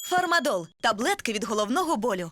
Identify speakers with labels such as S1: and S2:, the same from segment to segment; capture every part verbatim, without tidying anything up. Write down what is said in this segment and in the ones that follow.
S1: Фармадол – таблетки від головного болю.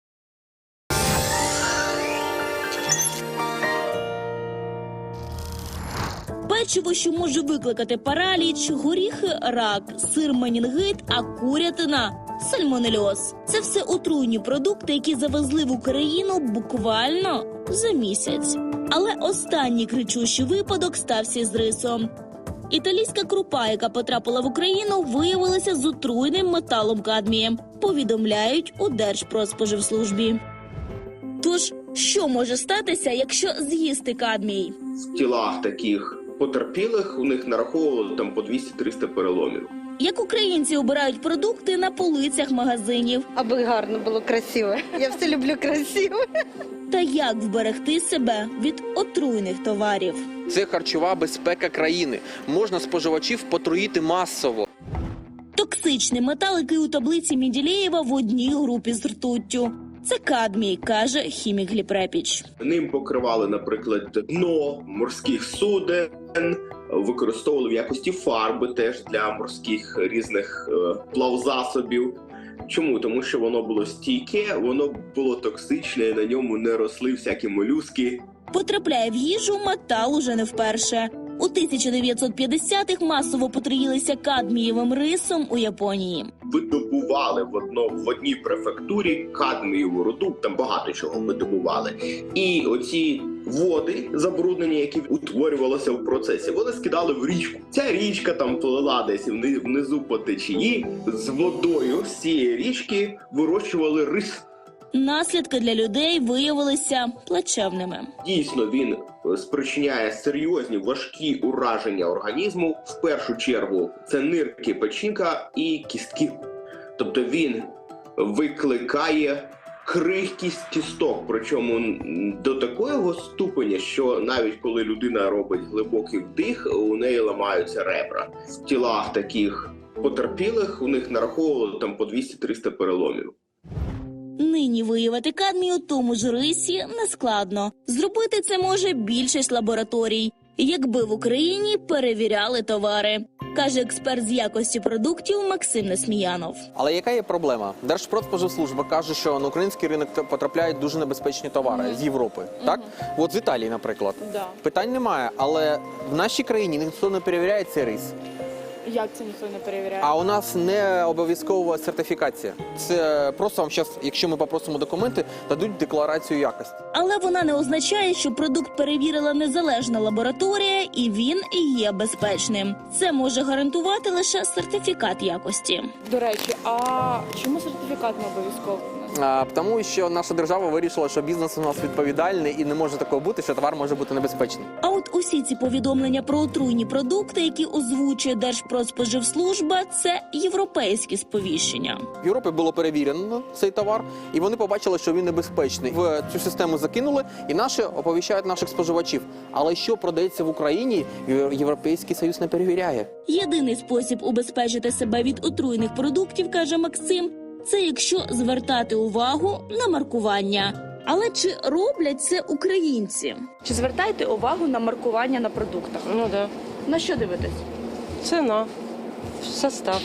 S2: Печиво, що може викликати параліч, горіхи – рак, сир – менінгит, а курятина – сальмонельоз. Це все отруйні продукти, які завезли в Україну буквально за місяць. Але останній кричущий випадок стався з рисом. Італійська крупа, яка потрапила в Україну, виявилася з отруйним металом кадмієм, повідомляють у Держпродспоживслужбі. Тож, що може статися, якщо з'їсти кадмій?
S3: В тілах таких потерпілих у них нараховували там по двісті-триста переломів.
S2: Як українці обирають продукти на полицях магазинів?
S4: Аби гарно було, красиво. Я все люблю красиво.
S2: Та як вберегти себе від отруйних товарів?
S5: Це харчова безпека країни. Можна споживачів потруїти масово.
S2: Токсичний метал, який у таблиці Менделєєва в одній групі з ртуттю. Це кадмій, каже хімік Гліб-Репіч.
S3: Ним покривали, наприклад, дно морських суден, використовували в якості фарби теж для морських різних е, плавзасобів. Чому? Тому що воно було стійке, воно було токсичне, на ньому не росли всякі молюски.
S2: Потрапляє в їжу метал уже не вперше. У тисяча дев'ятсот п'ятдесятих масово потруїлися кадмієвим рисом у Японії.
S3: Видобували в, одно, в одній префектурі кадмієву руду, там багато чого видобували. І оці води забруднені, які утворювалися в процесі, вони скидали в річку. Ця річка там плила десь внизу по течії. З водою з цієї річки вирощували рис.
S2: Наслідки для людей виявилися плачевними.
S3: Дійсно, він спричиняє серйозні важкі ураження організму. В першу чергу це нирки, печінка і кістки. Тобто він викликає крихкість кісток, причому до такого ступеня, що навіть коли людина робить глибокий вдих, у неї ламаються ребра. В тілах таких потерпілих у них нараховували там по двісті-триста переломів.
S2: Нині виявити кадмій у тому ж рисі нескладно. Зробити це може більшість лабораторій, якби в Україні перевіряли товари, каже експерт з якості продуктів Максим Несміянов.
S5: Але яка є проблема? Держпродспоживслужба каже, що на український ринок потрапляють дуже небезпечні товари mm-hmm. з Європи. Mm-hmm. Так? От з Італії, наприклад.
S6: Да.
S5: Питань немає, але в нашій країні ніхто не перевіряє цей рис.
S6: Як це ніхто не перевіряє?
S5: А у нас не обов'язкова сертифікація. Це просто вам зараз, якщо ми попросимо документи, дадуть декларацію якості.
S2: Але вона не означає, що продукт перевірила незалежна лабораторія і він і є безпечним. Це може гарантувати лише сертифікат якості.
S6: До речі, а чому сертифікат не обов'язково?
S5: А, тому що наша держава вирішила, що бізнес у нас відповідальний і не може такого бути, що товар може бути небезпечний.
S2: А от усі ці повідомлення про отруйні продукти, які озвучує Держпродспоживслужба, це європейські сповіщення.
S5: В Європі було перевірено цей товар, і вони побачили, що він небезпечний. В цю систему закинули, і наші оповіщають наших споживачів. Але що продається в Україні, Європейський Союз не перевіряє.
S2: Єдиний спосіб убезпечити себе від отруйних продуктів, каже Максим, це якщо звертати увагу на маркування. Але чи роблять це українці?
S6: Чи звертаєте увагу на маркування на продуктах?
S7: Ну так. Да.
S6: На що дивитесь?
S7: Ціна, состав,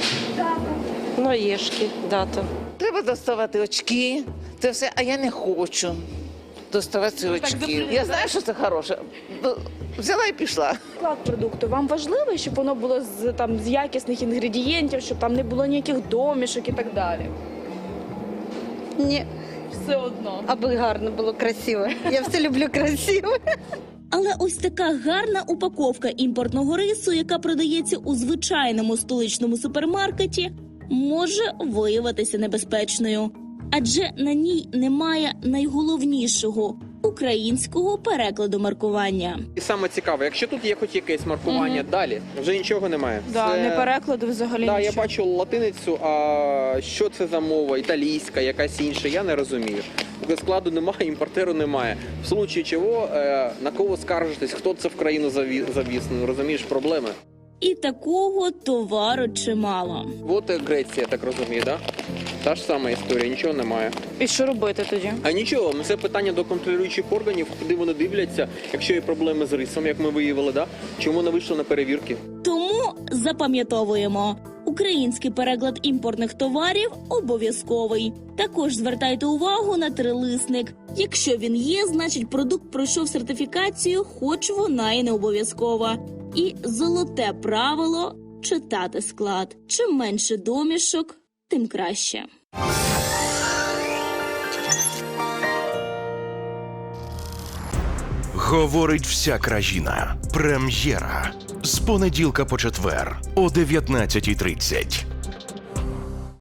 S7: наїжки, дата.
S8: Треба доставати очки, це все, а я не хочу доставати очки. Я знаю, що це хороше. Взяла і пішла.
S6: Склад продукту вам важливий, щоб воно було з, там, з якісних інгредієнтів, щоб там не було ніяких домішок і так далі?
S4: Ні,
S6: Все одно.
S4: аби гарно було, красиво. Я все люблю красиво.
S2: Але ось така гарна упаковка імпортного рису, яка продається у звичайному столичному супермаркеті, може виявитися небезпечною. Адже на ній немає найголовнішого – українського перекладу маркування.
S5: І саме цікаве, якщо тут є хоч якесь маркування,
S6: Мгм.
S5: далі вже нічого немає.
S6: Да,
S5: Це-
S6: не перекладу взагалі
S5: Да, я
S6: нічого.
S5: бачу латиницю, а що це за мова, італійська, якась інша, я не розумію. Складу немає, імпортеру немає. В случаї чого, е, на кого скаржитись, хто це в країну заві- завіз, ну, розумієш, проблеми.
S2: І такого товару чимало.
S5: От і Греція, так розумію, да? Та ж сама історія, нічого немає.
S6: І що робити тоді?
S5: А нічого, це питання до контролюючих органів, куди вони дивляться, якщо є проблеми з рисом, як ми виявили, да? Чому не вийшло на перевірки?
S2: Тому запам'ятовуємо. Український переклад імпортних товарів обов'язковий. Також звертайте увагу на трилисник. Якщо він є, значить продукт пройшов сертифікацію, хоч вона і не обов'язкова. І золоте правило – читати склад. Чим менше домішок, тим краще.
S9: Говорить вся країна. Прем'єра. З понеділка по четвер о дев'ятнадцятій тридцять.